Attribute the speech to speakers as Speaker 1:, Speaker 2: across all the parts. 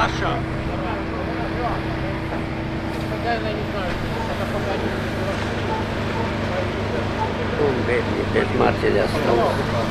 Speaker 1: Саша!
Speaker 2: Non vedi, per Marti da stavo.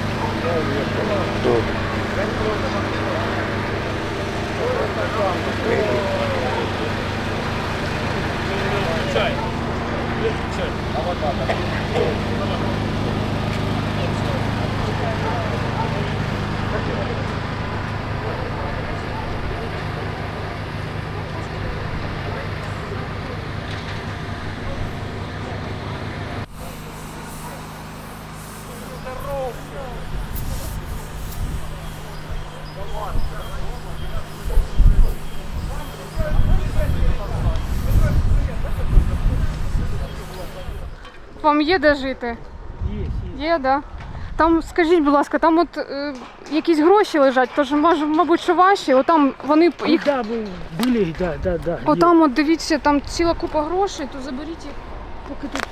Speaker 3: Вам є де жити? Є, да. Там, скажіть, будь ласка, там от якісь гроші лежать, тож, мабуть, що ваші, отам вони їх...
Speaker 4: Да, були, да.
Speaker 3: Отам от дивіться, там ціла купа грошей, то заберіть їх, поки тут.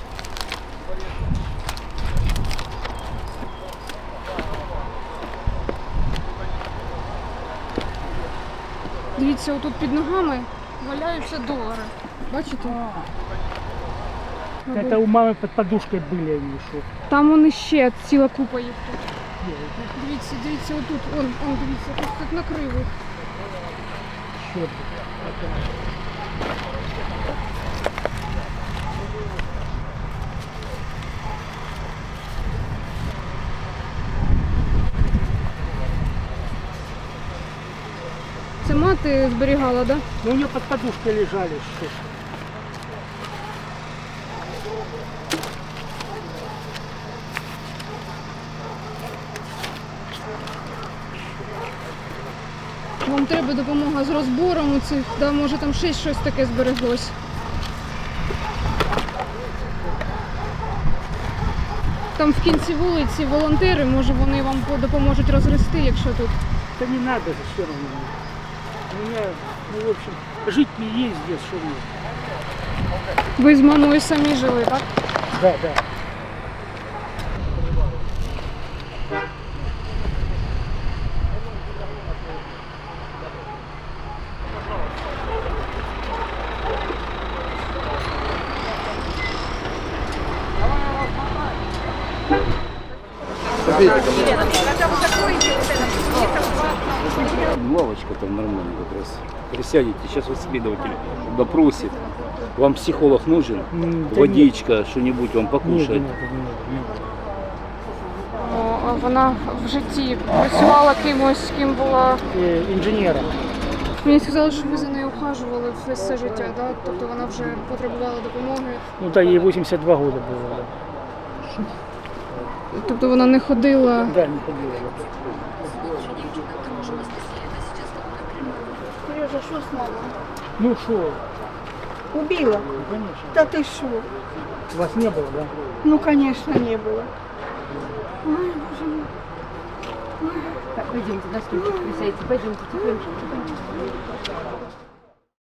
Speaker 3: Дивіться, отут під ногами валяються долари. Бачите?
Speaker 4: Это у мамы под подушкой были они что.
Speaker 3: Там вони ще ціла купа їх тут. Дивіться, отут, дивіться, тут накрив їх.
Speaker 4: Черт.
Speaker 3: Це мати зберігала, да?
Speaker 4: Ну, у нее под подушкой лежали что.
Speaker 3: Вам треба допомога з розбором цих, да, може там ще щось таке збереглось. Там в кінці вулиці волонтери, може вони вам допоможуть розгрести, якщо тут.
Speaker 4: Да не надо же все равно. У меня, ну, в общем, жить не есть здесь, что мне.
Speaker 3: Ви з мамою самі жили, так?
Speaker 4: Да.
Speaker 5: Лавочка там нормальная как раз. Присядете, сейчас вот следователь допросит. Вам психолог нужен?
Speaker 4: Да
Speaker 5: Водичка, что-нибудь вам покушать?
Speaker 4: Нет.
Speaker 3: Вона в житті працювала кимось, ким була.
Speaker 4: Инженером.
Speaker 3: Мені сказали, що ви за нею ухажували все життя, да? Тобто вона вже потребувала допомоги.
Speaker 4: Ну да, ей 82 года было. Да.
Speaker 3: Тобто вона не ходила.
Speaker 4: Да, не ходила.
Speaker 6: Сережа, что с мамой?
Speaker 4: Ну что,
Speaker 6: Убила?
Speaker 4: конечно.
Speaker 6: Да ты что?
Speaker 4: Вас не было, да?
Speaker 6: Ну, конечно, не было. Ой, боже мой.
Speaker 7: Так, пойдемте, на стульчик присядьте, пойдемте, тихонечко.